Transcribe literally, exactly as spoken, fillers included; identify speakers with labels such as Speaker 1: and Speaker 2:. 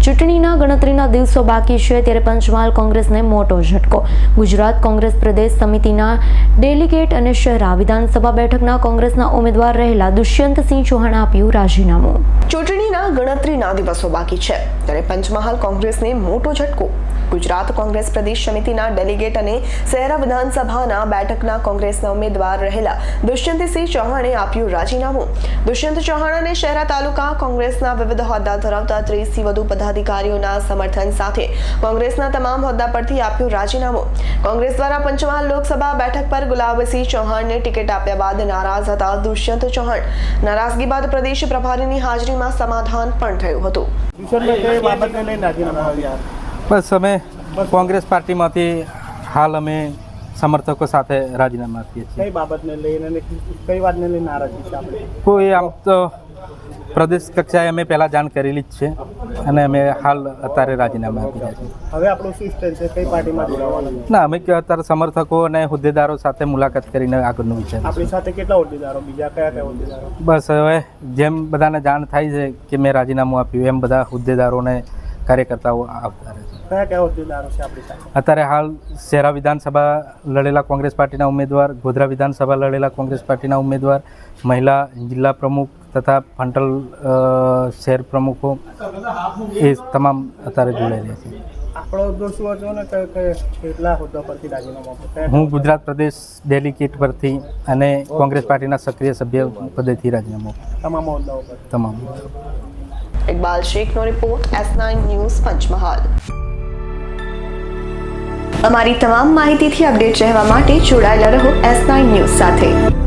Speaker 1: ચૂંટણીના ગણતરીના દિવસો બાકી છે ત્યારે પંચમહાલ કોંગ્રેસને મોટો ઝટકો. ગુજરાત કોંગ્રેસ પ્રદેશ સમિતિના ડેલિગેટ અને શહેરા વિધાનસભા બેઠકના કોંગ્રેસના ઉમેદવાર રહેલા દુષ્યંતસિંહ ચૌહાણે આપ્યું રાજીનામું.
Speaker 2: ચૂંટણીના ગણતરીના દિવસો બાકી છે ત્યારે પંચમહાલ કોંગ્રેસને મોટો ઝટકો. ગુજરાત કોંગ્રેસ પ્રદેશ સમિતિના ડેલિગેટ અને શહેરા વિધાનસભાના બેઠકના કોંગ્રેસના ઉમેદવાર રહેલા દુષ્યંતસિંહ ચૌહાણે આપ્યું રાજીનામું. દુષ્યંત ચૌહાણ અને શહેરા તાલુકા કોંગ્રેસના વિવિધ હોદ્દા ધરાવતા ત્રીસથી વધુ પદાધિકારીઓના સમર્થન સાથે કોંગ્રેસના તમામ હોદ્દા પરથી આપ્યું રાજીનામું. કોંગ્રેસ દ્વારા પંચમહાલ લોકસભા બેઠક પર ગુલાબસિંહ ચૌહાણને ટિકિટ આપ્યા બાદ નારાજ હતા દુષ્યંત ચૌહાણ. નારાજગી બાદ પ્રદેશ પ્રભારીની હાજરીમાં સમાધાન પણ થયું હતું.
Speaker 3: બસ અમે કોંગ્રેસ પાર્ટીમાંથી હાલ અમે સમર્થકો સાથે રાજીનામા આપીએ છીએ.
Speaker 4: કઈ બાબતને લઈને કઈ વાતને લઈને નારાજગી છે આપણે?
Speaker 3: કોઈ આમ તો પ્રદેશ કક્ષાએ અમે પહેલાં જાણ કરેલી જ છે અને અમે હાલ અત્યારે રાજીનામા આપી રહ્યા છીએ.
Speaker 4: હવે આપણું શું સ્ટેન્ડ છે? કઈ પાર્ટીમાં જોડાવાનું?
Speaker 3: ના, અમે અત્યારે સમર્થકો અને હોદ્દેદારો સાથે મુલાકાત કરીને આગળનું વિચાર.
Speaker 4: આપણી સાથે કેટલા હોદ્દેદારો? બીજા કયા કયા હોદ્દેદારો?
Speaker 3: બસ હવે જેમ બધાને જાણ થાય છે કે મેં રાજીનામું આપ્યું એમ બધા હોદ્દેદારોને કાર્યકર્તાઓ આવતા રહે છે.
Speaker 4: કયા કયા હોદ્દેદારો છે આપણી સાથે?
Speaker 3: અત્યારે હાલ શહેરા વિધાનસભા લડેલા કોંગ્રેસ પાર્ટીના ઉમેદવાર, ગોધરા વિધાનસભા લડેલા કોંગ્રેસ પાર્ટીના ઉમેદવાર, મહિલા જિલ્લા પ્રમુખ તથા ફંટલ શહેર પ્રમુખો એ તમામ અત્યારે જોડાયેલા છે.
Speaker 4: આપણો હોદ્દો શું હતો ને કેટલા હોદ્દા પરથી રાજીનામું આપ્યું?
Speaker 3: હું ગુજરાત પ્રદેશ ડેલિગેટ પરથી અને કોંગ્રેસ પાર્ટીના સક્રિય સભ્ય પદેથી રાજીનામું
Speaker 4: તમામ હોદ્દાઓ પર
Speaker 3: તમામ.
Speaker 2: ઇકબાલ શેખનો report, S nine news, Panchmahal. અમારી તમામ માહિતીથી અપડેટ રહેવા માટે જોડાયેલા રહો એસ નાઇન ન્યૂઝ સાથે.